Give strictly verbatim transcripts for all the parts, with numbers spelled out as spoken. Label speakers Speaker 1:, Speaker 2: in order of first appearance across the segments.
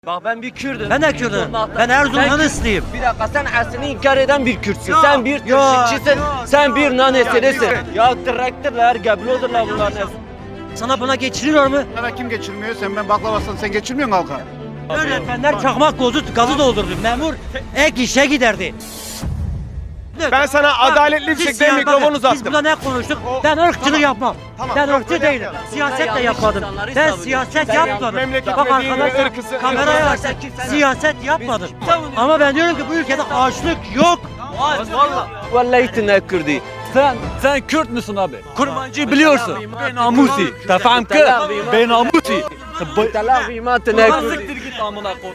Speaker 1: Bak ben bir Kürdüm.
Speaker 2: Ben de Kürdüm. Ben Erzurum'dan ıslıyım.
Speaker 1: Bir dakika sen aslını inkar eden bir Kürtsün.
Speaker 2: Yok,
Speaker 1: Sen bir
Speaker 2: yok,
Speaker 1: Türkçüsün.
Speaker 2: yok,
Speaker 1: Sen
Speaker 2: yok,
Speaker 1: bir naneselisin.
Speaker 2: yok.
Speaker 1: Ya traktörler, geblodurlar bunların hepsi.
Speaker 2: Sana buna geçiriyor mu?
Speaker 3: Sana kim geçirmiyor? Sen ben baklavasın sen geçirmiyor musun halka?
Speaker 2: Öğretmenler çakmak gazı, gazı doldurdu. Memur ek işe giderdi.
Speaker 4: Ben sana
Speaker 2: Bak,
Speaker 4: adaletli bir
Speaker 2: siz
Speaker 4: şekilde
Speaker 2: siya-
Speaker 4: mikrofonu
Speaker 2: bakın,
Speaker 4: uzattım.
Speaker 2: Biz burada ne konuştuk?
Speaker 4: O-
Speaker 2: Ben ırkçılık
Speaker 4: Tamam.
Speaker 2: yapmam.
Speaker 4: Tamam,
Speaker 2: Ben
Speaker 4: yok,
Speaker 2: ırkçı
Speaker 4: öyle
Speaker 2: değilim.
Speaker 4: yapmayalım.
Speaker 2: Siyaset de
Speaker 1: yanlış
Speaker 2: yapmadım.
Speaker 1: insanları
Speaker 2: Ben
Speaker 1: savunuyorsun.
Speaker 2: siyaset
Speaker 1: Sen
Speaker 2: yapmadım.
Speaker 4: memleket
Speaker 2: Bak
Speaker 4: ve dini
Speaker 2: arkadaşlar
Speaker 4: ırkısı-
Speaker 2: kameraya
Speaker 1: ırkısı-
Speaker 2: bak.
Speaker 1: Kimse-
Speaker 2: Siyaset yapmadım.
Speaker 1: savunuyoruz.
Speaker 2: Ama ben diyorum ki bu ülkede açlık yok.
Speaker 1: Vallahi. Vallahi tine Kürdi.
Speaker 5: Sen sen Kürt müsün abi? Kurmancı biliyorsun. Ben namusi. Tamam ki? Ben namusi.
Speaker 1: Telafima tine
Speaker 5: Nasıl
Speaker 1: Kürdi.
Speaker 5: siktir git amına kodum.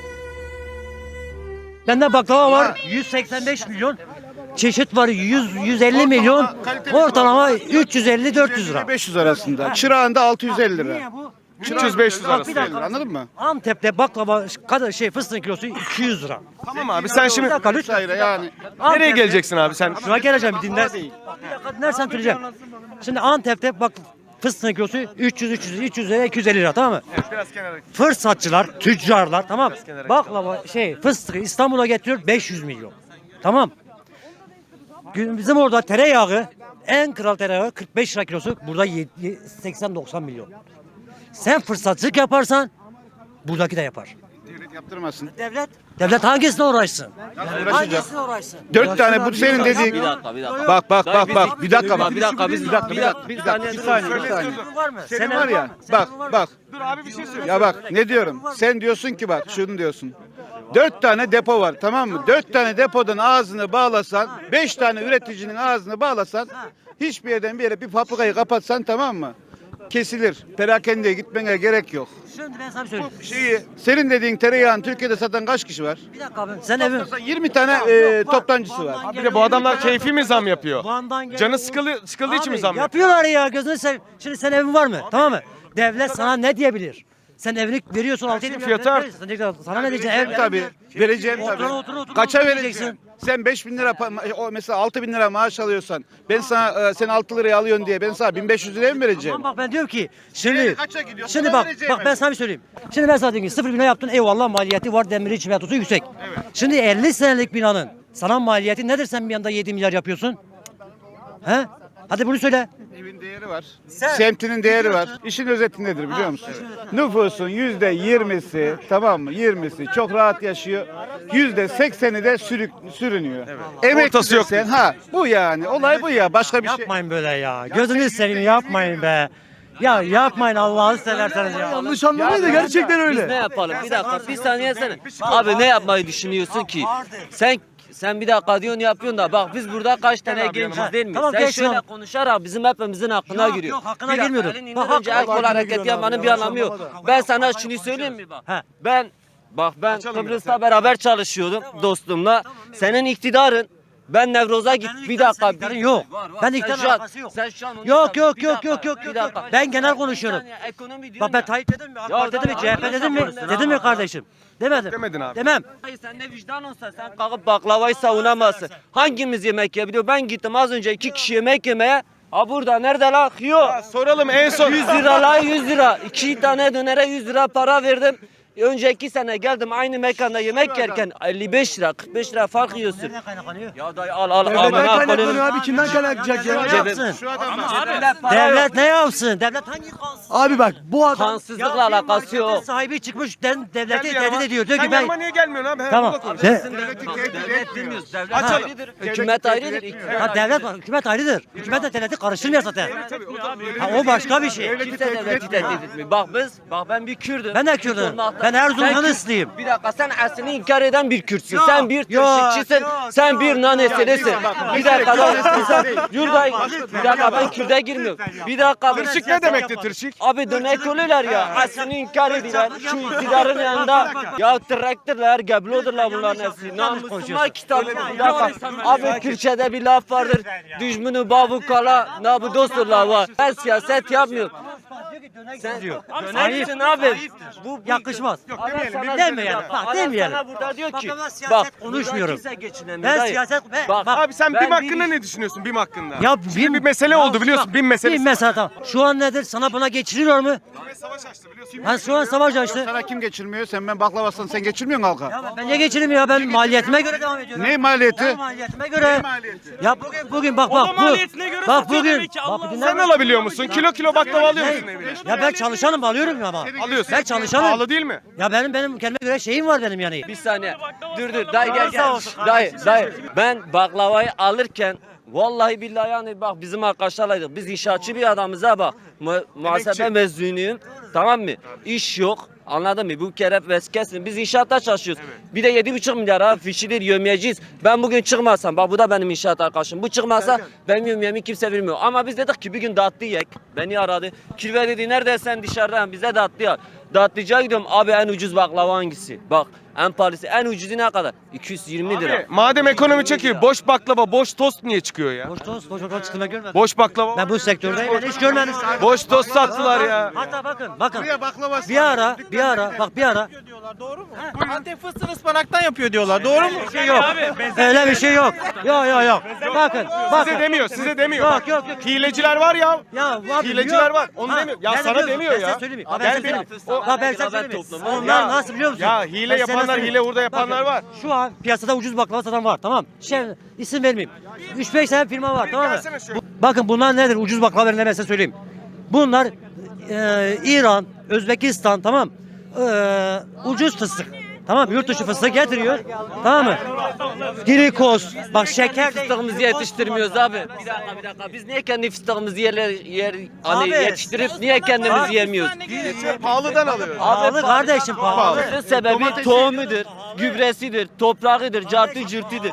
Speaker 2: Bende baklava var yüz seksen beş milyon. Çeşit var yüz yüz elli milyon. Ortalama üç yüz elli dört yüz lira.
Speaker 3: beş yüz arasında. Çırağında altı yüz elli lira.
Speaker 2: Niye bu?
Speaker 4: üç yüz beş yüz
Speaker 2: Bak, bir
Speaker 4: arası.
Speaker 2: dakika.
Speaker 3: Anladın mı?
Speaker 2: Antep'te baklava kadar şey fıstığın kilosu iki yüz lira.
Speaker 4: Tamam abi sen şimdi
Speaker 2: Bir dakika lütfen.
Speaker 3: Hayır yani.
Speaker 4: nereye
Speaker 2: Antep'te-
Speaker 4: geleceksin abi sen?
Speaker 2: Şuna geleceğim bir dinler. Bir dakika dinlersen söyleyeceğim. Şimdi Antep'te bak fıstığın kilosu üç yüz üç yüz üç yüz lira iki yüz elli lira tamam mı?
Speaker 4: Biraz kenara.
Speaker 2: Fırsatçılar, tüccarlar tamam mı? Baklava şey fıstığı İstanbul'a getiriyor beş yüz milyon. Tamam. Gün- Bizim orada tereyağı en kral tereyağı kırk beş lira kilosu burada seksen doksan milyon. Sen fırsatçılık yaparsan buradaki de yapar.
Speaker 3: Devlet yaptırmasın.
Speaker 2: Devlet devlet hangisine uğraşsın?
Speaker 3: Uğraşacak.
Speaker 2: Hangisine uğraşsın?
Speaker 3: Dört tane bu senin dediğin.
Speaker 1: Bir dakika bir dakika.
Speaker 3: Bak bak
Speaker 1: Dayı
Speaker 3: bak
Speaker 1: biz-
Speaker 3: bak. Bir dakika bak.
Speaker 1: Bir dakika biz
Speaker 3: Bir dakika bir dakika.
Speaker 1: bir
Speaker 3: Bir dakika. Bir saniye bir saniye.
Speaker 2: Senin var mı?
Speaker 3: Senin
Speaker 2: Senin
Speaker 3: var ya.
Speaker 2: mı? Senin
Speaker 3: Bak
Speaker 2: var mı?
Speaker 3: bak.
Speaker 4: Dur abi bir şey söyle.
Speaker 3: Ya bak ne diyorum? Sen diyorsun ki bak şunu diyorsun. Dört tane depo var tamam mı? Dört tane depodan ağzını bağlasan, beş tane üreticinin ağzını bağlasan, hiçbir yerden bir yere bir fabrikayı kapatsan tamam mı? Kesilir. Perakendeye gitmene gerek yok.
Speaker 2: Şimdi ben sana bir söyleyeyim.
Speaker 3: Şeyi, senin dediğin tereyağını Türkiye'de satan kaç kişi var?
Speaker 2: Bir dakika abi. Sen evin
Speaker 3: yirmi tane e, toptancısı var.
Speaker 4: Bir de bu adamlar keyfi mi zam yapıyor?
Speaker 2: Van'dan gelen-
Speaker 4: Canı sıkılı, sıkıldığı için mi
Speaker 2: Abi,
Speaker 4: zam yapıyor?
Speaker 2: yapıyorlar ya gözünü seveyim. Şimdi sen evin var mı? Tamam mı? Devlet sana ne diyebilir? Sen evini veriyorsun altı yedi
Speaker 4: fiyatı art.
Speaker 2: Sana ne diyeceksin? Ev,
Speaker 3: Tabii. Vereceğim
Speaker 2: Otur,
Speaker 3: tabii.
Speaker 2: otur, otur,
Speaker 3: Kaça
Speaker 2: otur
Speaker 3: vereceksin?
Speaker 2: diyeceksin.
Speaker 3: Sen beş bin lira pa- o mesela altı bin lira maaş alıyorsan ben sana e, sen altı liraya alıyorsun diye ben sana bin beş yüz liraya mı vereceğim?
Speaker 2: Tamam bak ben diyorum ki şimdi
Speaker 3: Yani kaça gidiyor?
Speaker 2: şimdi
Speaker 3: Sana
Speaker 2: bak
Speaker 3: vereceğim
Speaker 2: bak ben
Speaker 3: ben.
Speaker 2: sana bir söyleyeyim. Şimdi ben sana diyorum ki sıfır bina yaptın eyvallah maliyeti var demiri çimentosu yüksek. Şimdi elli senelik binanın sana maliyeti nedir sen bir anda yedi milyar yapıyorsun? He? Hadi bunu söyle.
Speaker 3: Evin değeri var. Semtinin değeri var. İşin özeti nedir biliyor musun? Nüfusun yüzde yirmisi tamam mı? Yirmisi çok rahat yaşıyor. Yüzde sekseni de sürük, sürünüyor. Emekli
Speaker 4: Ortası yok.
Speaker 3: desen, ha bu yani. Olay bu ya. Başka bir şey.
Speaker 2: Yapmayın böyle ya. Gözünü seveyim yapmayın be. Ya yapmayın Allah'ını severseniz ya.
Speaker 5: Yanlış anlamayın da gerçekten
Speaker 1: Biz ne
Speaker 5: öyle.
Speaker 1: yapalım? Bir dakika bir saniye sen. Abi ne yapmayı düşünüyorsun ki? Sen sen bir dakika diyorsun yapıyorsun da bak biz burada kaç tane genciz değil mi?
Speaker 2: Tamam,
Speaker 1: Sen
Speaker 2: geç
Speaker 1: şöyle
Speaker 2: lan.
Speaker 1: konuşarak bizim hepimizin hakkına
Speaker 2: Yok,
Speaker 1: giriyor.
Speaker 2: yok, hakkına
Speaker 1: Bir dakika,
Speaker 2: girmiyorum.
Speaker 1: elini
Speaker 2: Bak,
Speaker 1: indirince el
Speaker 2: hakkına
Speaker 1: kol hareketi
Speaker 5: giriyorsun
Speaker 1: yapmanın
Speaker 5: abi,
Speaker 1: bir anlamı yok.
Speaker 5: yanlış
Speaker 1: Ben sana şunu söyleyeyim mi bak?
Speaker 2: He.
Speaker 1: Ben bak ben
Speaker 4: Açalım
Speaker 1: Kıbrıs'ta beraber çalışıyordum dostumla. Senin iktidarın ben Nevroza git
Speaker 2: Benim
Speaker 1: bir dakika.
Speaker 2: iktidarın iktidarın yok. Ben
Speaker 1: Sen
Speaker 2: iktidarın
Speaker 1: şu an-
Speaker 2: alakası yok.
Speaker 1: Sen şu an onu
Speaker 2: Yok
Speaker 1: sen-
Speaker 2: yok
Speaker 1: bir
Speaker 2: yok
Speaker 1: dakika,
Speaker 2: yok yok
Speaker 1: bir
Speaker 2: yok.
Speaker 1: dakika.
Speaker 2: Ben genel
Speaker 1: Bir
Speaker 2: konuşuyorum.
Speaker 1: saniye, ekonomi diyorum
Speaker 2: Bak ben
Speaker 1: ya.
Speaker 2: Tayyip dedim mi? AK
Speaker 1: Ya
Speaker 2: Parti dedim mi?
Speaker 1: tamam,
Speaker 2: C H P dedim mi?
Speaker 1: konuşalım.
Speaker 2: Dedim mi kardeşim? Demedim.
Speaker 4: Demedin abi.
Speaker 2: Demem.
Speaker 1: Hayır sen ne vicdan olsa sen kalkıp baklavayı savunamazsın. Hangimiz yemek yiyebiliyor? Ben gittim az önce iki kişi yemek yemeye. Ha burada nerede la? Yok.
Speaker 4: Soralım en son.
Speaker 1: yüz lira la yüz lira. İki tane dönere yüz lira para verdim. Önceki sene geldim aynı mekanda yemek yerken elli beş lira kırk beş lira fark yiyorsun.
Speaker 2: Nereden kaynaklanıyor?
Speaker 1: Ya dayı al al
Speaker 5: Devletten
Speaker 1: amına
Speaker 5: kaynaklanıyor
Speaker 1: koyayım.
Speaker 5: abi kimden kaynaklanacak
Speaker 2: Ne
Speaker 5: ya?
Speaker 2: yapsın?
Speaker 3: Şu adam
Speaker 2: Devlet ne yapsın? Devlet hangi kansız?
Speaker 5: Abi bak bu adam
Speaker 1: Kansızlıkla
Speaker 2: bir
Speaker 1: alakası
Speaker 2: marketin
Speaker 1: yok.
Speaker 2: sahibi çıkmış den-
Speaker 4: Gel
Speaker 2: devleti
Speaker 4: bir
Speaker 2: tehdit
Speaker 4: yanıma.
Speaker 2: ediyor. Diyor
Speaker 4: Sen
Speaker 2: ki ben
Speaker 4: yanıma niye gelmiyorsun abi? He,
Speaker 2: Tamam.
Speaker 4: burada konuş.
Speaker 2: De-
Speaker 3: Devleti tehdit
Speaker 1: Devlet
Speaker 3: etmiyor.
Speaker 1: bilmiyoruz. Devlet
Speaker 4: Açalım.
Speaker 1: ayrıdır. Hükümet ayrıdır. iktidar
Speaker 2: Ha devlet
Speaker 1: ayrıdır.
Speaker 2: hükümet ayrıdır. Hükümet de devleti karıştırmıyor zaten. Ha o başka bir şey.
Speaker 1: Kimse devleti tehdit etmiyor. Bak biz, bak ben bir Kürdüm.
Speaker 2: Ben de
Speaker 1: Kürt
Speaker 2: Kürdüm.
Speaker 1: olmaktan-
Speaker 2: Ben Erzurum'dan
Speaker 1: Sen Kürt-
Speaker 2: ıslıyım.
Speaker 1: Bir dakika sen aslını inkar eden bir Kürtsün.
Speaker 2: Yok,
Speaker 1: Sen bir
Speaker 2: yok,
Speaker 1: Türkçüsün.
Speaker 2: yok,
Speaker 1: Sen
Speaker 2: yok,
Speaker 1: bir
Speaker 2: yok.
Speaker 1: naneselisin.
Speaker 3: Ya, bak,
Speaker 1: Bir
Speaker 3: bak,
Speaker 1: dakika
Speaker 3: bak,
Speaker 1: ben
Speaker 3: bak,
Speaker 1: Yurday. Bir dakika ben Kürt'e girmiyorum. Bir dakika.
Speaker 4: Tırşık ne demekti tırşık?
Speaker 1: Abi dönek oluyorlar ya. Aslını inkar ediyorlar. Şu iktidarın yanında. Ya traktörler, geblodurlar bunların hepsi. Namusuma kitap. Bir dakika. Abi Kürtçe'de bir laf vardır. Düşmünü babu kala, nabu dosturlar var. Ben siyaset yapmıyorum. Sen
Speaker 2: diyor.
Speaker 1: dönersin abi. Bu, bu
Speaker 2: Yakışmaz.
Speaker 1: Adam sana
Speaker 2: Demeyelim.
Speaker 1: diyor,
Speaker 2: Bak
Speaker 1: adam
Speaker 2: demeyelim.
Speaker 1: sana burada diyor
Speaker 2: Bak
Speaker 1: ki
Speaker 2: ama siyaset
Speaker 1: bak
Speaker 2: konuşmuyorum.
Speaker 1: burada kimse geçinemiyor.
Speaker 2: Ben
Speaker 1: Dayı.
Speaker 2: siyaset ben,
Speaker 1: Bak,
Speaker 2: bak,
Speaker 4: Abi sen
Speaker 1: Ben
Speaker 4: BİM hakkında
Speaker 1: bir-
Speaker 4: ne düşünüyorsun BİM hakkında?
Speaker 2: ya
Speaker 4: Şimdi bir mesele oldu biliyorsun, BİM meselesi.
Speaker 2: Bir mesele tamam. Şu an nedir? Sana buna geçiriyor mu?
Speaker 4: Savaş açtı biliyorsun.
Speaker 2: Ha şu an savaş açtı.
Speaker 3: Sana kim geçirmiyor? Sen ben baklavasın sen geçirmiyorsun halka.
Speaker 2: Ya ben niye geçireyim ya? Ben maliyetime göre devam ediyorum.
Speaker 3: Ne maliyeti?
Speaker 2: Ben maliyetime göre. Ya bugün bugün bak bak bu. Bak bugün. Bak bugün
Speaker 4: Sen alabiliyor musun? Kilo kilo baklava alıyor musun evine?
Speaker 2: Ya ben çalışanım alıyorum ya ama.
Speaker 4: Alıyorsun.
Speaker 2: Ben çalışanım.
Speaker 4: Pahalı değil mi?
Speaker 2: Ya benim benim kendime göre şeyim var benim yani.
Speaker 1: Bir saniye. Dur dur dayı gel gel. Dayı dayı. Ben baklavayı alırken vallahi billahi yani bak bizim arkadaşlarlaydık. Biz inşaatçı bir adamız ha bak. Mu muhasebe mezunuyum. Tamam mı? İş yok. Anladın mı? Bu kere veskesin. Biz inşaatta çalışıyoruz. Bir de yedi buçuk milyar ha fişidir yömeyeceğiz. Ben bugün çıkmasam bak bu da benim inşaat arkadaşım. Bu çıkmasa benim yömeyemi kimse vermiyor. Ama biz dedik ki bir gün dağıttı yek. Beni aradı. Kirve dedi nerede sen dışarıdan bize dağıttı ya. Dağıttıcıya gidiyorum abi en ucuz baklava hangisi? Bak en pahalısı en ucuzu ne kadar? iki yüz yirmi lira.
Speaker 4: Madem ekonomi çekiyor, boş baklava, boş tost niye çıkıyor ya?
Speaker 2: Boş tost, boş tost çıktığını görmedim.
Speaker 4: Boş baklava.
Speaker 2: Ben bu sektördeyim. Ben hiç görmedim.
Speaker 4: Boş tost sattılar ya.
Speaker 2: Hatta bakın, bakın.
Speaker 3: Buraya baklava
Speaker 2: Bir ara, bir ara, bak bir ara.
Speaker 6: Antep fıstığını ıspanaktan yapıyor diyorlar. Doğru mu?
Speaker 2: Bir şey yok. Öyle bir şey yok. Yok yok yok. Bakın,
Speaker 4: Size
Speaker 2: bakın.
Speaker 4: demiyor, size demiyor.
Speaker 2: Yok yok yok.
Speaker 4: Hileciler var ya.
Speaker 2: Ya var.
Speaker 4: Hileciler var. Onu
Speaker 2: Ha,
Speaker 4: demiyor. Ya
Speaker 2: ben
Speaker 4: sana
Speaker 2: biliyorum.
Speaker 4: demiyor
Speaker 2: Ben
Speaker 4: ya.
Speaker 2: size söyleyeyim mi?
Speaker 4: Abi
Speaker 2: Ben
Speaker 4: ben
Speaker 2: size
Speaker 4: benim-
Speaker 2: söyleyeyim.
Speaker 4: o-
Speaker 2: Bak ben size
Speaker 1: Ben
Speaker 2: söyleyeyim. mi?
Speaker 1: toplum.
Speaker 2: Onlar
Speaker 4: Ya-
Speaker 2: nasıl biliyor musun?
Speaker 4: ya hile
Speaker 2: Ben sana
Speaker 4: yapanlar,
Speaker 2: söyleyeyim.
Speaker 4: hile hurda yapanlar
Speaker 2: Bakın,
Speaker 4: var.
Speaker 2: Şu an piyasada ucuz baklava satan var tamam. Şey isim vermeyeyim. üç beş tane firma var tamam mı?
Speaker 4: gelsene şöyle.
Speaker 2: Bu- bakın bunlar nedir? Ucuz baklava verenler ben size söyleyeyim. Bunlar e, İran, Özbekistan tamam. E, ucuz fıstık. Tamam yurt dışı fıstık getiriyor. Tamam mı? Glikoz. Bak şeker de
Speaker 1: Fıstığımızı yetiştirmiyoruz abi. Bir dakika bir dakika. Biz niye kendi fıstığımızı yerler yer hani
Speaker 2: Abi,
Speaker 1: yetiştirip niye kendimiz yemiyoruz?
Speaker 4: Pahalıdan alıyor.
Speaker 2: pahalı kardeşim pahalı.
Speaker 1: Bunun sebebi tohumudur, gübresidir, toprağıdır, cartı cürtüdür.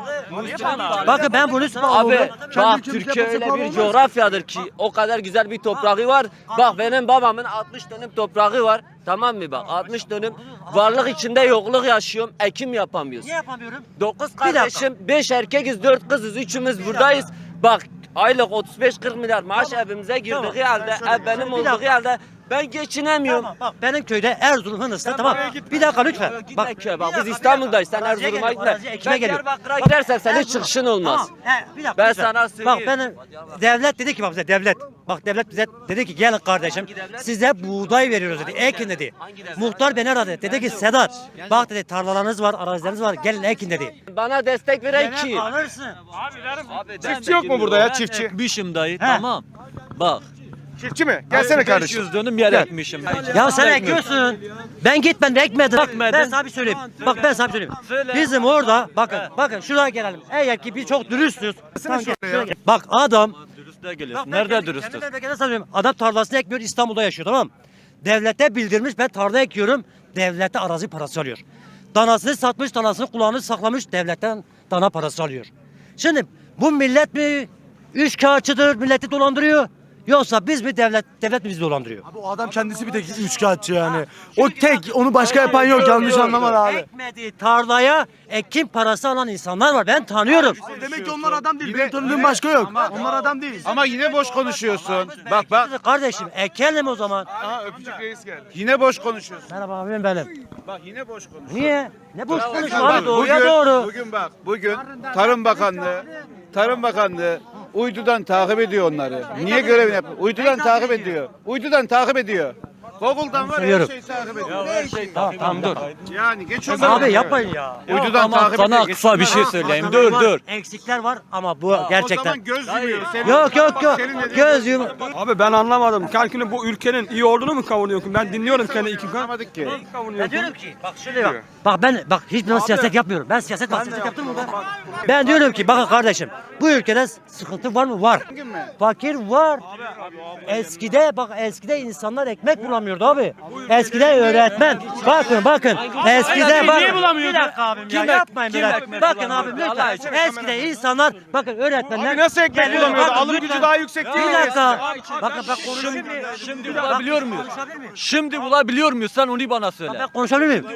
Speaker 2: Bakın ben bunu
Speaker 1: Abi bak Türkiye öyle bir coğrafyadır ki o kadar güzel bir toprağı var. Bak benim babamın altmış dönüm toprağı var. Tamam mı bak altmış dönüm varlık içinde yokluk yaşıyorum. Ekim yapamıyoruz.
Speaker 2: Niye yapamıyorum?
Speaker 1: Dokuz
Speaker 2: dakika.
Speaker 1: kardeşim, beş erkekiz, dört kızız, üçümüz buradayız. Bak aylık otuz beş kırk milyar maaş evimize girdiği
Speaker 2: Tamam.
Speaker 1: halde,
Speaker 2: Şöyle,
Speaker 1: ev benim
Speaker 2: şöyle, bir
Speaker 1: olduğu
Speaker 2: dakika.
Speaker 1: halde ben geçinemiyorum.
Speaker 2: Tamam, bak benim köyde Erzurum Hınıs'ta tamam. Bir dakika lütfen.
Speaker 1: Bak,
Speaker 2: Bak,
Speaker 1: bak
Speaker 2: bir
Speaker 1: biz
Speaker 2: dakika,
Speaker 1: İstanbul'dayız.
Speaker 2: bir
Speaker 1: Sen
Speaker 2: dakika.
Speaker 1: Erzurum'a
Speaker 2: Araziye
Speaker 1: gitme.
Speaker 2: geliyorum, ekime
Speaker 1: Ben
Speaker 2: geliyorum.
Speaker 1: Diyarbakır'a
Speaker 2: Bak,
Speaker 1: gidersem senin
Speaker 2: Erzurum-
Speaker 1: çıkışın olmaz.
Speaker 2: Tamam, he, bir dakika,
Speaker 1: Ben
Speaker 2: lütfen.
Speaker 1: sana söyleyeyim.
Speaker 2: Bak benim devlet dedi ki bak bize devlet. Bak devlet bize dedi ki gelin kardeşim size buğday veriyoruz dedi. Ekin dedi. Muhtar beni aradı. Dedi ki Sedat bak dedi tarlalarınız var, arazileriniz var. Gelin ekin dedi.
Speaker 1: Bana destek veren kim?
Speaker 2: Alırsın.
Speaker 4: Çiftçi yok mu burada ya çiftçi?
Speaker 5: Ekmişim dayı tamam. Bak.
Speaker 4: Çiftçi mi? Gelsene kardeşim.
Speaker 5: beş yüz dönüm yer ekmişim.
Speaker 2: Ya sen ekiyorsun. Ben gitmedim ekmedim.
Speaker 5: Ekmedin.
Speaker 2: Ben sana bir söyleyeyim. Bak ben sana bir söyleyeyim. Bizim orada bakın bakın şuraya gelelim. Eğer ki biz çok dürüstüz. Tamam, gel, şuraya gel. Bak adam
Speaker 5: Dürüstle geliyorsun.
Speaker 2: Bak ben
Speaker 5: Nerede
Speaker 2: kendi-
Speaker 5: dürüstüz?
Speaker 2: kendi memleketine sanıyorum. Adam tarlasını ekmiyor İstanbul'da yaşıyor tamam mı? Devlete bildirmiş ben tarla ekiyorum. Devlete arazi parası alıyor. Danasını satmış danasını kulağını saklamış devletten dana parası alıyor. Şimdi bu millet mi üç kağıtçıdır milleti dolandırıyor? Yoksa biz mi devlet devlet mi bizi dolandırıyor?
Speaker 7: Bu adam kendisi bir tek üçkağıtçı yani. O tek, onu başka yapan yok. Yanlış anlama da abi.
Speaker 2: Ekmediği tarlaya ekim parası alan insanlar var. Ben tanıyorum.
Speaker 7: Demek ki onlar adam değil. Benim tanıdığım başka yok. Onlar adam değil.
Speaker 3: Ama yine boş konuşuyorsun. Bak bak
Speaker 2: Kardeşim ekelim o zaman.
Speaker 4: Aha öpücük reis geldi.
Speaker 3: yine boş konuşuyorsun.
Speaker 2: Merhaba abim benim.
Speaker 3: Bak yine boş konuşuyorsun.
Speaker 2: Niye? Ne boş konuşma
Speaker 3: Bak,
Speaker 2: abi doğruya
Speaker 3: bugün,
Speaker 2: doğru.
Speaker 3: Bugün bak bugün Tarım Bakanlığı Tarım Bakanlığı uydudan takip ediyor onları. Niye görevini yapıyor? Uydudan takip ediyor. Uydudan takip ediyor. Google'dan var her
Speaker 2: Seviyorum.
Speaker 3: şeyi takip ediyor.
Speaker 2: Tamam tamam dur.
Speaker 3: Yani geç o zaman.
Speaker 2: Abi yapmayın ya.
Speaker 3: Uydudan
Speaker 5: Ama
Speaker 3: takip
Speaker 5: sana
Speaker 3: ediyor.
Speaker 5: kısa bir şey
Speaker 3: Geçsinler.
Speaker 5: söyleyeyim. Dur
Speaker 2: Var,
Speaker 5: dur.
Speaker 2: Eksikler var ama bu
Speaker 3: O
Speaker 2: gerçekten.
Speaker 3: zaman göz yumuyor. Senin-
Speaker 2: Yok yok yok.
Speaker 3: Senin dediğin
Speaker 2: Göz yum.
Speaker 8: Abi ben anlamadım. Kalkını bu ülkenin iyi olduğunu mu kavunuyorsun? Ben dinliyorum seni iki gün.
Speaker 3: Anlamadık ki.
Speaker 2: Ben diyorum ki bak şöyle bak. Bak ben bak hiçbir zaman siyaset yapmıyorum. Ben siyaset bak siyaset yaptım mı ben? Ben diyorum ki bakın kardeşim bu ülkede sıkıntı var mı? Var.
Speaker 3: mi?
Speaker 2: Fakir var. Eskide bak eskide insanlar ekmek bulamıyor. bulamıyordu abi. Eskiden öğretmen. Bakın bakın. Eskiden bakın.
Speaker 5: Niye bulamıyordu?
Speaker 2: Bir dakika abim ya
Speaker 5: Kim
Speaker 2: yapmayın
Speaker 5: kim
Speaker 2: böyle.
Speaker 5: ekmek
Speaker 2: Bakın
Speaker 5: bulamıyordu?
Speaker 2: abim
Speaker 5: Allah
Speaker 2: lütfen.
Speaker 5: aşkına.
Speaker 2: Eskiden insanlar bakın öğretmenler.
Speaker 4: Abi nasıl ekmek
Speaker 2: geliyor,
Speaker 4: bulamıyordu?
Speaker 2: bakın
Speaker 4: Alım
Speaker 2: lütfen.
Speaker 4: gücü daha yüksek değil
Speaker 2: Bir
Speaker 4: mi?
Speaker 2: dakika. Bakın bak konuşayım.
Speaker 5: Şimdi, şimdi bulabiliyor muyuz? Şimdi bulabiliyor muyuz? Sen onu bana söyle.
Speaker 2: Ben konuşabilir miyim?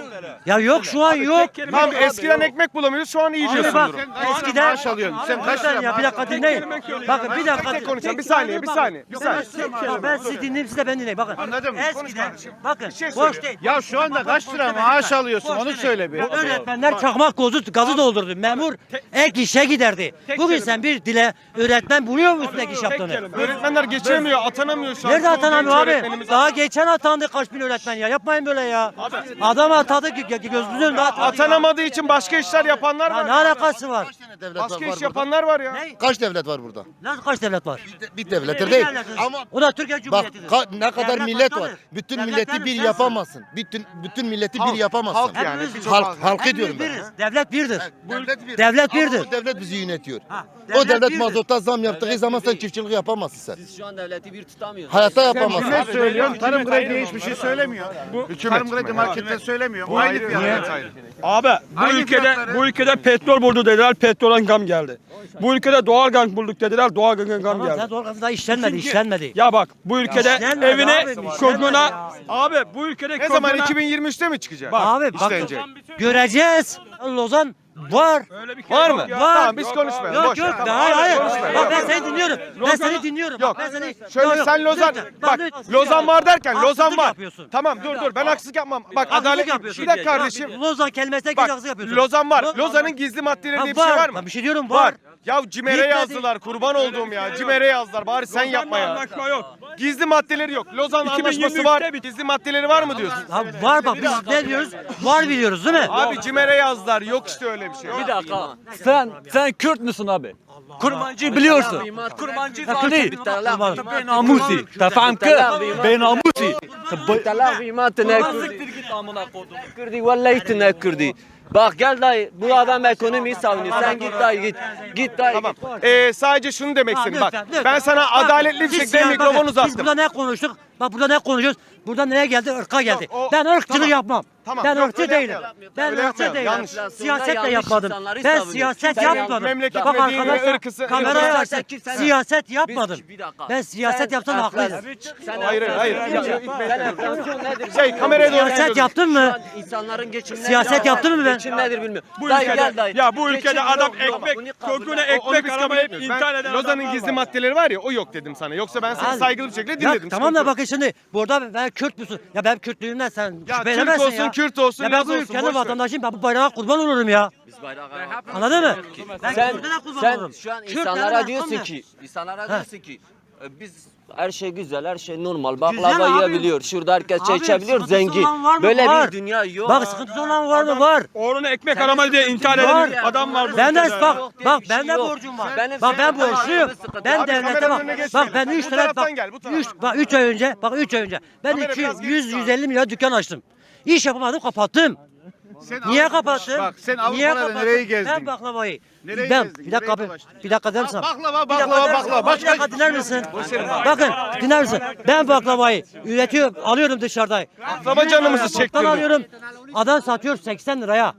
Speaker 2: Ya yok şu an yok.
Speaker 4: Tamam eskiden ekmek bulamıyoruz şu an iyi
Speaker 2: Şimdi
Speaker 4: diyorsun
Speaker 2: bak
Speaker 4: durum.
Speaker 2: eskiden
Speaker 3: maaş alıyorsun. Sen kaç
Speaker 2: Lütfen
Speaker 3: lira
Speaker 2: ya bir dakika dinleyin. Bakın bir dakika.
Speaker 4: Tek konuşalım bir saniye bir saniye. Bir saniye.
Speaker 2: Bak, ben sizi dinleyeyim siz de beni dinleyin. Bakın.
Speaker 3: Anladın mı?
Speaker 2: Eskiden bakın
Speaker 4: şey
Speaker 2: boş
Speaker 4: söyle.
Speaker 2: değil.
Speaker 3: Ya şu anda kaç lira maaş alıyorsun onu söyle bir.
Speaker 2: Öğretmenler çakmak gazı, gazı doldurdu. Memur ek işe giderdi. Bugün sen bir dile öğretmen buluyor musun ek iş yaptığını?
Speaker 4: Öğretmenler geçemiyor, atanamıyor şu an.
Speaker 2: Nerede atanamıyor
Speaker 4: Genç
Speaker 2: abi?
Speaker 4: öğretmenimiz-
Speaker 2: Daha geçen atandı kaç bin öğretmen ya. Yapmayın böyle ya. Adam atadı ki gözünün önünde atadı.
Speaker 4: Atanamadığı için başka işler yapanlar
Speaker 2: Ya ne
Speaker 4: var.
Speaker 2: alakası var?
Speaker 4: Başka iş yapanlar var ya.
Speaker 2: Ne?
Speaker 9: Kaç devlet var burada?
Speaker 2: Nasıl kaç devlet var?
Speaker 9: Bir devlettir
Speaker 2: Bir
Speaker 9: değil.
Speaker 2: devlet.
Speaker 9: Ama
Speaker 2: O da Türkiye
Speaker 9: bak
Speaker 2: Cumhuriyeti'dir.
Speaker 9: ka- ne kadar
Speaker 2: Devlet
Speaker 9: millet
Speaker 2: başkadır.
Speaker 9: var. Bütün
Speaker 2: Devlet
Speaker 9: milleti
Speaker 2: benim,
Speaker 9: bir
Speaker 2: sensin.
Speaker 9: yapamazsın. Bütün bütün milleti bir yapamazsın.
Speaker 4: halk yani.
Speaker 2: Hepimiz
Speaker 4: Çok
Speaker 9: Halk,
Speaker 4: fazla.
Speaker 9: halkı diyorum
Speaker 2: Hepimiz
Speaker 9: ben.
Speaker 2: biriz. Devlet birdir.
Speaker 9: Devlet bir.
Speaker 2: Devlet
Speaker 9: Ama
Speaker 2: birdir.
Speaker 9: o devlet bizi yönetiyor.
Speaker 2: Ha,
Speaker 9: O devlet
Speaker 2: birdir.
Speaker 9: mazota zam yaptığı zaman sen çiftçilik yapamazsın sen.
Speaker 1: Biz şu an devleti bir tutamıyoruz.
Speaker 9: Hayatta
Speaker 3: Sen
Speaker 9: yapamazsın.
Speaker 3: kime söylüyorsun? Tarım krediye hiçbir şey söylemiyor. Tarım kredi markette söylemiyor. Aynı fiyat.
Speaker 8: Abi bu
Speaker 3: Aynı
Speaker 8: ülkede
Speaker 3: fiyatları.
Speaker 8: bu ülkede petrol buldu dediler, petrolden gam geldi. Bu ülkede doğal gaz bulduk dediler, doğal gazdan gam
Speaker 2: Tamam
Speaker 8: geldi.
Speaker 2: sen doğru gazı daha işlenmedi,
Speaker 8: Çünkü-
Speaker 2: işlenmedi.
Speaker 8: Ya bak bu ülkede
Speaker 2: işlenmedi
Speaker 8: evine
Speaker 2: abi, işlenmedi
Speaker 8: koyduğuna
Speaker 2: ya.
Speaker 8: abi bu ülkede
Speaker 4: Ne zaman
Speaker 8: koyduğuna-
Speaker 4: iki bin yirmi üçte mi çıkacak?
Speaker 2: Abi bak
Speaker 4: işlenecek.
Speaker 2: göreceğiz. Lozan var.
Speaker 8: Öyle bir şey
Speaker 4: Var
Speaker 8: yok
Speaker 4: mı?
Speaker 8: ya.
Speaker 2: Var.
Speaker 4: Tamam biz konuşmayalım.
Speaker 2: Yok
Speaker 4: boş ver,
Speaker 2: yok
Speaker 4: tamam.
Speaker 2: hayır hayır.
Speaker 4: Konuşmayalım.
Speaker 2: Bak ben seni dinliyorum. Ben
Speaker 8: Lozan-
Speaker 2: seni dinliyorum.
Speaker 4: Yok.
Speaker 2: Bak ben seni.
Speaker 4: Şöyle
Speaker 2: Yok, yok.
Speaker 4: sen Lozan
Speaker 2: Lütfen,
Speaker 4: bak
Speaker 2: lütfen.
Speaker 4: Lozan var derken
Speaker 2: Haksızlık
Speaker 4: Lozan var.
Speaker 2: yapıyorsun.
Speaker 4: Tamam dur dur ben haksızlık yapmam. Bak
Speaker 2: Haksızlık
Speaker 4: adalet
Speaker 2: yapıyorsun.
Speaker 4: bir dakika kardeşim.
Speaker 2: Bak, Lozan kelimesine
Speaker 4: Bak
Speaker 2: haksızlık yapıyorsun.
Speaker 4: Lozan var.
Speaker 2: Lozan-
Speaker 4: Lozan'ın gizli maddeleri
Speaker 2: Ha,
Speaker 4: diye bir şey var mı?
Speaker 2: Ben bir şey diyorum var.
Speaker 4: Ya Cimer'e
Speaker 2: Bitmedi.
Speaker 4: yazdılar. Kurban olduğum ya. Cimer'e yazdılar. Bari sen yapma ya.
Speaker 8: Anlaşma yok.
Speaker 4: Gizli maddeleri yok. Lozan
Speaker 8: iki bin yirmi
Speaker 4: anlaşması
Speaker 8: üçte
Speaker 4: var.
Speaker 8: bitti.
Speaker 4: Gizli maddeleri var mı diyorsun?
Speaker 2: Ha, var bak biz ne diyoruz? Var biliyoruz değil mi?
Speaker 4: Abi Cimer'e yazdılar. Yok işte öyle bir şey.
Speaker 5: Bir dakika. Sen sen Kürt müsün abi? Kurmancı biliyorsun. Kurmancı zaten. Ben namusi. Tamam ki? Ben namusi.
Speaker 1: Telafima tenekkurdi.
Speaker 5: git amına kodum.
Speaker 1: Kurdi vallahi tenekkurdi. Bak gel dayı bu adam ekonomiyi savunuyor. Sen git dayı git. Git dayı
Speaker 4: Tamam.
Speaker 1: git.
Speaker 4: Ee, sadece şunu demek
Speaker 2: Ha,
Speaker 4: istedim. Bak
Speaker 2: lütfen, lütfen.
Speaker 4: ben sana
Speaker 2: Bak,
Speaker 4: adaletli bir
Speaker 2: biz
Speaker 4: şekilde
Speaker 2: ya,
Speaker 4: mikrofon
Speaker 2: bakın, Biz
Speaker 4: uzattım.
Speaker 2: burada ne konuştuk? Bak burada ne konuşuyoruz? Burada neye geldi? Irka geldi.
Speaker 4: Yok, o-
Speaker 2: ben ırkçılık
Speaker 4: tamam.
Speaker 2: yapmam.
Speaker 4: Tamam,
Speaker 2: Ben
Speaker 4: yok,
Speaker 2: ırkçı
Speaker 4: öyle
Speaker 2: değilim.
Speaker 4: yapmayalım.
Speaker 2: Ben
Speaker 4: Öyle
Speaker 2: ırkçı
Speaker 4: yapmayalım,
Speaker 2: değilim.
Speaker 4: yanlış.
Speaker 2: Siyasetle
Speaker 1: Yanlış
Speaker 2: yapmadım.
Speaker 1: insanları
Speaker 2: Ben
Speaker 1: savunuyor.
Speaker 2: siyaset
Speaker 1: Sen
Speaker 2: yapmadım.
Speaker 4: memleket
Speaker 2: Bak
Speaker 4: ve dini ve
Speaker 2: arkadaşlar
Speaker 4: ırkısı-
Speaker 2: kameraya
Speaker 4: ırkısı-
Speaker 2: açsın.
Speaker 1: Sen-
Speaker 2: Siyaset yapmadım.
Speaker 1: Bir dakika.
Speaker 2: Ben siyaset
Speaker 1: Sen
Speaker 2: yapsam
Speaker 1: enflas-
Speaker 2: haklıyım.
Speaker 1: Sen
Speaker 4: Hayır,
Speaker 1: enflasyon-
Speaker 4: hayır,
Speaker 1: Sen
Speaker 4: hayır.
Speaker 1: enflasyon nedir?
Speaker 4: Şey, kameraya doğru
Speaker 2: Siyaset yaptın mı?
Speaker 1: İnsanların geçimleri
Speaker 2: Siyaset yaptın mı ben?
Speaker 1: Geçim nedir bilmiyorum.
Speaker 8: Bu
Speaker 1: Dayı
Speaker 8: ülkede
Speaker 1: gel dayı.
Speaker 8: ya bu ülkede
Speaker 1: Geçim
Speaker 8: adam
Speaker 1: yok, yok.
Speaker 8: ekmek
Speaker 1: Bunu kabul
Speaker 8: köküne
Speaker 1: et.
Speaker 4: O- onu biz
Speaker 8: ekmek
Speaker 4: kabul
Speaker 8: aramayıp
Speaker 4: etmiyoruz.
Speaker 8: intihar
Speaker 4: Ben
Speaker 8: eden
Speaker 4: Lozan'ın
Speaker 8: adamlar
Speaker 4: gizli
Speaker 8: var.
Speaker 4: maddeleri var ya o yok dedim sana. Yoksa ben seni
Speaker 2: Ha,
Speaker 4: saygılı bir şekilde
Speaker 2: Ya
Speaker 4: dinledim.
Speaker 2: tamam da
Speaker 4: sıkıntı yok.
Speaker 2: bakın şimdi burada ben Kürt müsün? Ya ben Kürtlüğümden sen
Speaker 4: Ya
Speaker 2: şüphe
Speaker 4: Türk
Speaker 2: edemezsin
Speaker 4: olsun,
Speaker 2: ya.
Speaker 4: Kürt olsun,
Speaker 2: Ya ben
Speaker 4: Laz
Speaker 2: bu
Speaker 4: olsun,
Speaker 2: ülkenin
Speaker 4: boş ver.
Speaker 2: vatandaşıyım. Ben bu bayrağa kurban olurum ya.
Speaker 1: Biz bayrağı
Speaker 2: Anladın mı? Ben
Speaker 1: Sen,
Speaker 2: Kürt'e de kurban
Speaker 1: sen
Speaker 2: olurum.
Speaker 1: şu an
Speaker 2: Kürt'e
Speaker 1: insanlara
Speaker 2: de
Speaker 1: diyorsun
Speaker 2: hakkım
Speaker 1: ki, insanlara
Speaker 2: Ha.
Speaker 1: diyorsun ki e, biz her şey güzel, her şey normal.
Speaker 2: Güzel
Speaker 1: Baklava
Speaker 2: abi.
Speaker 1: yiyebiliyor, şurada herkes çay
Speaker 2: Abi,
Speaker 1: içebiliyor,
Speaker 2: sıkıntısı
Speaker 1: zengin.
Speaker 2: olan var mı?
Speaker 1: Böyle
Speaker 2: Var.
Speaker 1: bir dünya yok.
Speaker 2: Bak sıkıntısı olan var mı? Var.
Speaker 8: Oğluna ekmek aramadı diye intihar
Speaker 2: Var.
Speaker 8: eden adam var bu
Speaker 2: Ben de
Speaker 8: ülkede.
Speaker 2: bak
Speaker 1: Yok diye
Speaker 2: bak
Speaker 1: bir şey
Speaker 2: ben de
Speaker 1: yok.
Speaker 2: borcum var.
Speaker 1: Benim
Speaker 2: Bak ben
Speaker 1: senin
Speaker 2: borçluyum.
Speaker 1: hayatın sıkıntı.
Speaker 2: Ben
Speaker 4: Abi,
Speaker 2: devlete
Speaker 4: kameranın
Speaker 2: bak.
Speaker 4: önüne
Speaker 2: Bak
Speaker 4: geçmeyelim.
Speaker 2: ben
Speaker 4: Bu
Speaker 2: üç tane
Speaker 4: taraftan
Speaker 2: bak.
Speaker 4: gel, bu taraftan.
Speaker 2: üç bak üç ay önce bak üç ay önce ben
Speaker 4: Kamera
Speaker 2: iki
Speaker 4: biraz
Speaker 2: yüz
Speaker 4: geri
Speaker 2: yüz elli milyar dükkan açtım. İş yapamadım kapattım.
Speaker 3: Sen
Speaker 2: Niye
Speaker 3: Avrupa-
Speaker 2: kapattın?
Speaker 3: Bak sen
Speaker 2: Niye
Speaker 3: Avrupa'da
Speaker 2: kapattın?
Speaker 3: nereyi gezdin?
Speaker 2: Ben baklavayı.
Speaker 3: Nereyi
Speaker 2: ben
Speaker 3: gezdin?
Speaker 2: bir dakika
Speaker 3: Nereyi
Speaker 2: abi.
Speaker 3: dolaştın?
Speaker 2: Bir dakika der misin?
Speaker 3: Baklava,
Speaker 2: Bir dakika
Speaker 3: baklava,
Speaker 2: der misin?
Speaker 3: baklava.
Speaker 2: Bir
Speaker 3: Başka
Speaker 2: dakika dinler misin? Bakın dinler misin? Ben baklavayı üretiyorum, alıyorum dışarıda.
Speaker 4: Baklava canımızı
Speaker 2: Baktan
Speaker 4: çektirdi.
Speaker 2: alıyorum. Adam satıyor seksen liraya.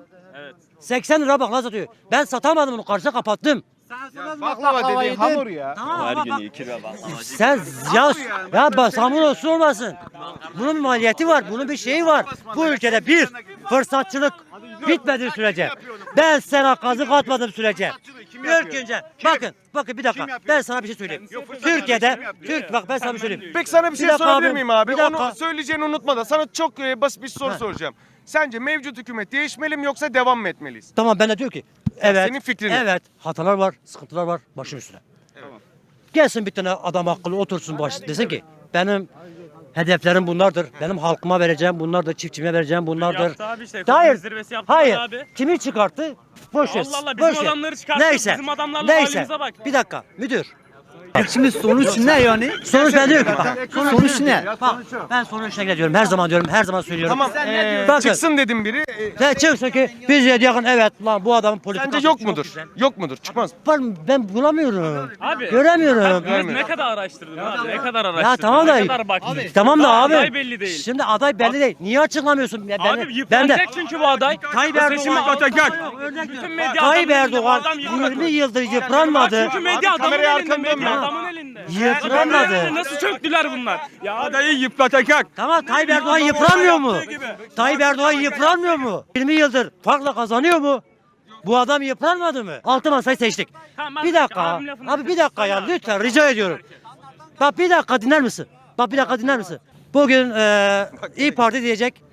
Speaker 2: seksen lira baklava satıyor. Ben satamadım onu karşıda kapattım.
Speaker 3: Baklava dediğin hamur ya.
Speaker 2: Tamam ama bak. Sen ya ya bak hamur olsun olmasın. Bunun maliyeti var, bunun bir şeyi var. Bu ülkede bir fırsatçılık bitmediği sürece, ben sana kazık atmadığım sürece. İlk önce bakın, bakın bir dakika. Ben sana bir şey söyleyeyim. Türkiye'de, Türk bak ben sana bir şey söyleyeyim.
Speaker 4: Peki sana bir şey
Speaker 2: dakika
Speaker 4: sorabilir
Speaker 2: abi,
Speaker 4: miyim abi?
Speaker 2: bir dakika.
Speaker 4: Onu söyleyeceğini unutma da sana çok e, basit bir soru
Speaker 2: Ha.
Speaker 4: soracağım. Sence mevcut hükümet değişmeli mi yoksa devam mı etmeliyiz?
Speaker 2: Tamam ben de diyor ki evet.
Speaker 4: senin fikrin ne?
Speaker 2: Evet, hatalar var, sıkıntılar var başım üstüne. Gelsin bir tane adam akıllı otursun baş desin ki benim hedeflerim bunlardır. Benim halkıma vereceğim bunlardır, çiftçime vereceğim bunlardır.
Speaker 10: Yaptı abi işte,
Speaker 2: Hayır.
Speaker 10: ekonomi zirvesi yaptılar
Speaker 2: Hayır.
Speaker 10: abi.
Speaker 2: Kimi çıkarttı? Boş ver.
Speaker 10: Allah Allah, bizim
Speaker 2: boş ver.
Speaker 10: adamları çıkarttı,
Speaker 2: Neyse.
Speaker 10: bizim adamlarla
Speaker 2: Neyse.
Speaker 10: halimize bak.
Speaker 2: Bir dakika müdür.
Speaker 5: Şimdi sonuç ne yani?
Speaker 2: Sonuç ne diyor ki? Bak,
Speaker 5: Sonuç ne?
Speaker 2: bak, ben sonuçta gidiyorum. Her zaman diyorum, her zaman söylüyorum.
Speaker 4: Tamam.
Speaker 2: Ee, bakın,
Speaker 4: Çıksın dedim biri. E,
Speaker 2: sen çıksa ki biz de yakın evet lan bu adamın politikası
Speaker 4: Sence yok
Speaker 2: çok
Speaker 4: mudur?
Speaker 2: güzel.
Speaker 4: Yok mudur? Çıkmaz.
Speaker 2: Var mı? Ben bulamıyorum.
Speaker 10: Abi,
Speaker 2: Göremiyorum.
Speaker 4: Görmüyorum.
Speaker 10: Ne kadar araştırdın abi? Ne kadar araştırdın?
Speaker 2: Ya tamam
Speaker 10: Ne
Speaker 2: da
Speaker 10: kadar baktın?
Speaker 2: tamam da abi.
Speaker 10: Aday belli değil.
Speaker 2: Şimdi aday belli değil. Niye açıklamıyorsun? Ya ben,
Speaker 10: Abi
Speaker 2: ben de
Speaker 10: yıpranacak çünkü bu aday.
Speaker 2: Tayyip
Speaker 10: Bu seçimi
Speaker 2: Erdoğan
Speaker 10: atacak.
Speaker 2: Örnek
Speaker 10: Bütün
Speaker 2: veriyorum.
Speaker 10: medya
Speaker 2: Tayyip
Speaker 10: adamın elinde, bu
Speaker 2: Erdoğan
Speaker 10: adam yıpranacak.
Speaker 2: yirmi yıldır yıpranmadı.
Speaker 10: Çünkü medya
Speaker 4: Abi,
Speaker 10: adamın
Speaker 4: kamerayı
Speaker 10: elinde.
Speaker 4: arkanı dönme.
Speaker 10: Medya adamın elinde.
Speaker 2: Yıpranmadı.
Speaker 10: Nasıl çöktüler bunlar? Ya abi,
Speaker 8: Adayı yıpratacak.
Speaker 2: Tamam Tayyip Erdoğan yıpranmıyor mu? Tayyip Erdoğan yıpranmıyor mu? yirmi yıldır farkla kazanıyor mu? Bu adam yıpranmadı mı? Altı masayı seçtik.
Speaker 10: Tamam, ben
Speaker 2: Bir dakika.
Speaker 10: abim lafını
Speaker 2: Abi bir dakika ya lütfen rica ediyorum. Bak bir dakika dinler misin? Bak bir dakika dinler misin? Bugün eee İyi Parti diyecek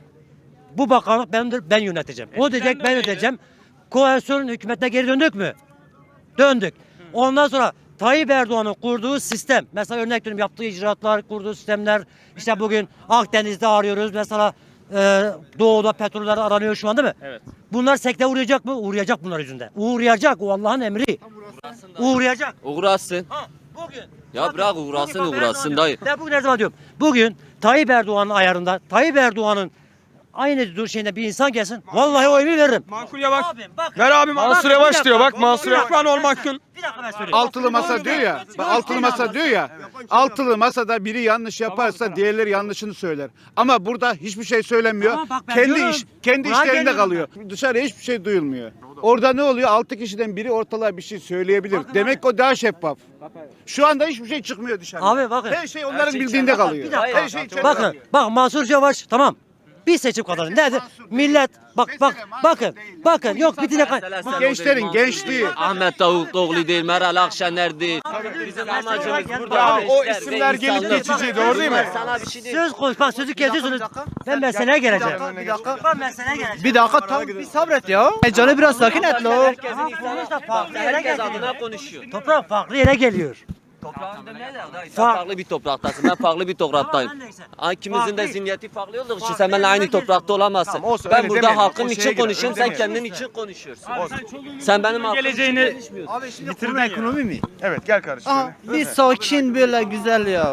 Speaker 2: bu bakanlık benimdir ben yöneteceğim. O diyecek ben yöneteceğim. Koalisyon hükümetine geri döndük mü? Döndük. Ondan sonra Tayyip Erdoğan'ın kurduğu sistem, mesela örnek veriyorum yaptığı icraatlar, kurduğu sistemler, işte bugün Akdeniz'de arıyoruz, mesela e, Doğu'da petroller aranıyor şu an değil mi?
Speaker 10: Evet.
Speaker 2: Bunlar sekte uğrayacak mı? Uğrayacak bunlar yüzünden. Uğrayacak, o Allah'ın emri. Uğrayacak.
Speaker 1: Uğraşsın.
Speaker 2: Ha, bugün.
Speaker 1: Ya bırak uğraşsın
Speaker 2: Bugün bak, her
Speaker 1: uğraşsın
Speaker 2: zaman
Speaker 1: dayı.
Speaker 2: diyorum. Ben bugün her zaman diyorum. Bugün Tayyip Erdoğan'ın ayarında, Tayyip Erdoğan'ın aynı dur şeyinde bir insan gelsin. Vallahi oyunu veririm.
Speaker 8: Mansur Yavaş.
Speaker 2: Abim bak.
Speaker 8: Ver abim.
Speaker 4: Mansur
Speaker 2: bir
Speaker 4: Yavaş
Speaker 2: dakika.
Speaker 4: diyor bak Mansur Yavaş.
Speaker 8: Lan olmasın.
Speaker 2: Bir dakika ben söyleyeyim.
Speaker 3: Altılı masa diyor ya. Bak, altılı masa diyor ya. Altılı masada biri yanlış yaparsa diğerleri yanlışını söyler. Ama burada hiçbir şey söylemiyor.
Speaker 2: Tamam, bak ben
Speaker 3: kendi
Speaker 2: diyorum.
Speaker 3: iş kendi
Speaker 2: Buraya
Speaker 3: işlerinde
Speaker 2: geliyorum
Speaker 3: kalıyor. Dışarıya hiçbir şey duyulmuyor. Orada ne oluyor? Altı kişiden biri ortalığa bir şey söyleyebilir. Demek o daha şeffaf. Şu anda hiçbir şey çıkmıyor dışarıya.
Speaker 2: Abi bakın.
Speaker 3: Her şey onların bildiğinde kalıyor.
Speaker 2: Bir dakika.
Speaker 3: Her şey içeride
Speaker 2: Bakın,
Speaker 3: kalıyor.
Speaker 2: bak Mansur Yavaş tamam. Bir seçim kazandı. Nerede? Millet bak bak bakın. Bakın yok bir dakika.
Speaker 1: Mesela sen
Speaker 3: Gençlerin
Speaker 1: o değil,
Speaker 3: gençliği.
Speaker 1: Mansur değil, Ahmet Davutoğlu değil, Meral Akşener değil. Bizim amacımız burada
Speaker 4: Ya o
Speaker 1: gençler ve
Speaker 4: isimler gelip
Speaker 1: insanlık.
Speaker 4: geçici, doğru değil mi?
Speaker 1: Sana bir şey değil.
Speaker 2: Söz konuş bak sözü kesiyorsunuz. Ben meseleye geleceğim. Ben meseleye geleceğim.
Speaker 5: Bir dakika tam bir sabret ya. E, Canı biraz sakin et lo.
Speaker 1: Herkesin
Speaker 2: Ama
Speaker 1: insanı
Speaker 2: sonuçta farklı yere
Speaker 1: herkes
Speaker 2: geliyor.
Speaker 1: adına konuşuyor.
Speaker 2: Toprak farklı yere geliyor.
Speaker 1: Toprağında ne der dayı? Sen
Speaker 2: Fark-
Speaker 1: farklı bir topraktasın. Ben farklı bir topraktayım.
Speaker 2: Tamam, neyse.
Speaker 1: Ha, İkimizin de
Speaker 2: Farklı.
Speaker 1: zihniyeti farklı olduğu için
Speaker 2: Farklı
Speaker 1: sen benimle aynı
Speaker 2: yerine
Speaker 1: toprakta olamazsın.
Speaker 4: Tamam, olsun,
Speaker 1: Ben
Speaker 4: öyle
Speaker 1: burada
Speaker 4: demeyelim.
Speaker 1: halkım
Speaker 4: O
Speaker 1: için
Speaker 4: şeye girer,
Speaker 1: konuşuyorum.
Speaker 4: öyle
Speaker 1: Sen kendin
Speaker 4: demeyelim.
Speaker 1: için konuşuyorsun.
Speaker 10: sen çoluğunun
Speaker 1: Sen benim halkım
Speaker 10: geleceğini
Speaker 1: için konuşmuyorsun.
Speaker 5: Abi şimdi bitirme ekonomi mi?
Speaker 4: Evet gel kardeşim.
Speaker 5: Aha, bir sakin böyle güzel ya.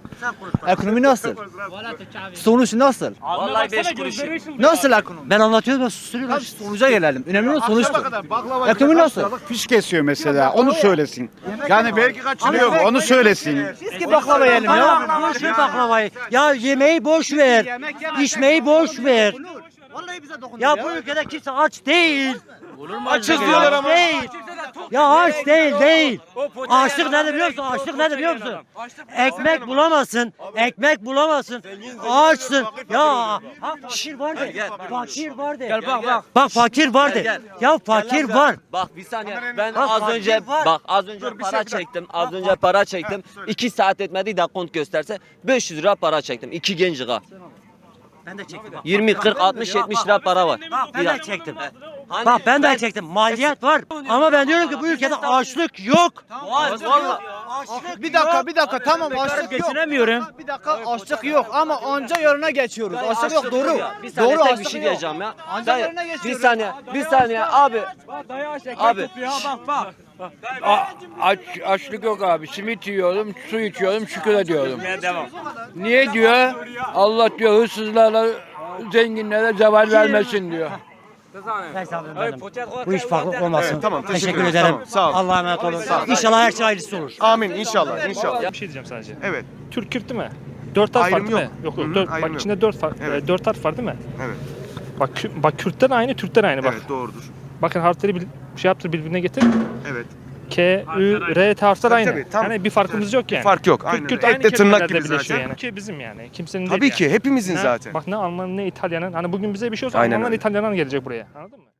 Speaker 5: Ekonomi nasıl? Sonuç nasıl?
Speaker 1: Vallahi beş kuruş.
Speaker 5: Nasıl ekonomi?
Speaker 2: Ben anlatıyorum da susturuyorlar.
Speaker 5: Tabii sonuca gelelim. Önemli olan sonuçtur.
Speaker 3: Baklava
Speaker 5: Ekonomi nasıl?
Speaker 3: fiş kesiyor mesela. Onu söylesin. Yani belki kaçırıyor mu? Onu söylesin.
Speaker 5: Biz ki baklava yiyelim ya.
Speaker 2: Ya boş ver baklavayı. Ya yemeği boş ver. İçmeyi boş ver.
Speaker 5: Vallahi bize dokunuyor
Speaker 2: Ya bu ülkede kimse aç değil.
Speaker 4: Açız diyorlar ama.
Speaker 2: Değil. Ya aç değil değil. Açlık nedir biliyor musun? Açlık nedir biliyor musun? Ekmek bulamazsın. Ekmek bulamazsın. Açsın. Ya ha, fakir var de. Fakir var de.
Speaker 1: Gel bak bak.
Speaker 2: Bak fakir var de. Ya fakir var.
Speaker 1: Bak bir saniye. Ben
Speaker 2: Bak,
Speaker 1: az
Speaker 2: fakir
Speaker 1: önce
Speaker 2: var.
Speaker 1: bak az önce para çektim. Az önce para çektim. iki saat etmedi de kont gösterse beş yüz lira para çektim. İki genç lira.
Speaker 2: Ben de çektim. bak.
Speaker 1: yirmi, kırk, altmış, yetmiş lira para var.
Speaker 2: Bak ben
Speaker 1: Bir
Speaker 2: de
Speaker 1: dakika.
Speaker 2: çektim.
Speaker 1: Hani
Speaker 2: Bak ben de çektim. Maliyet var. Ama ben diyorum ki bu ülkede açlık yok.
Speaker 1: Var valla.
Speaker 5: Bir dakika bir dakika tamam açlık yok.
Speaker 10: geçinemiyorum.
Speaker 5: Bir dakika açlık yok ama anca yarına geçiyoruz. Açlık yok doğru.
Speaker 1: Bir saniye
Speaker 5: Doğru
Speaker 1: tek bir
Speaker 5: açlık
Speaker 1: şey
Speaker 5: yok.
Speaker 1: diyeceğim ya.
Speaker 5: Ancak
Speaker 1: Dayı,
Speaker 5: yerine
Speaker 1: bir
Speaker 5: geçiyoruz.
Speaker 1: saniye, bir saniye abi. Abi.
Speaker 8: Aç, açlık yok abi. Simit yiyorum, su içiyorum, şükür ediyorum.
Speaker 10: Devam.
Speaker 8: Niye diyor? Allah diyor hırsızlara, zenginlere zeval vermesin diyor.
Speaker 2: Neyse abi benim. Bu iş farklı olmasın.
Speaker 4: Evet, tamam, teşekkür
Speaker 2: teşekkür
Speaker 4: ederim.
Speaker 2: ederim.
Speaker 4: Tamam, sağ ol.
Speaker 2: Allah'a emanet olun. İnşallah her şey hayırlısı olur.
Speaker 4: Amin inşallah inşallah.
Speaker 10: Bir şey diyeceğim sadece.
Speaker 4: Evet.
Speaker 10: Türk Kürt değil mi? Dört harf var
Speaker 4: Ayrım
Speaker 10: değil mi?
Speaker 4: yok.
Speaker 10: Yok
Speaker 4: Hı hı,
Speaker 10: yok. Dört,
Speaker 4: ayrım
Speaker 10: bak
Speaker 4: yok.
Speaker 10: içinde dört, fark,
Speaker 4: Evet.
Speaker 10: e, dört harf var değil mi?
Speaker 4: Evet.
Speaker 10: Bak, Kü- bak Kürtler aynı, Türkler aynı bak.
Speaker 4: Evet doğrudur.
Speaker 10: Bakın harfleri bil, şey yaptır birbirine getir.
Speaker 4: Evet.
Speaker 10: K, Ü, R harfler
Speaker 4: Tabii,
Speaker 10: aynı.
Speaker 4: tabii, tam-
Speaker 10: yani bir farkımız yok yani.
Speaker 4: Fark yok.
Speaker 10: Kürt,
Speaker 4: Aynen.
Speaker 10: Kürt
Speaker 4: öyle.
Speaker 10: aynı
Speaker 4: Et de tırnak
Speaker 10: kelimelerde
Speaker 4: gibi
Speaker 10: birleşiyor
Speaker 4: zaten.
Speaker 10: yani. Ki bizim yani. Kimsenin
Speaker 4: Tabii
Speaker 10: değil
Speaker 4: ki
Speaker 10: yani.
Speaker 4: hepimizin
Speaker 10: Ne-
Speaker 4: zaten.
Speaker 10: Bak ne Alman'ın ne İtalyan'ın. Hani bugün bize bir şey olsa
Speaker 4: Aynen
Speaker 10: Almanlar
Speaker 4: öyle.
Speaker 10: İtalyanlar gelecek buraya. Anladın mı?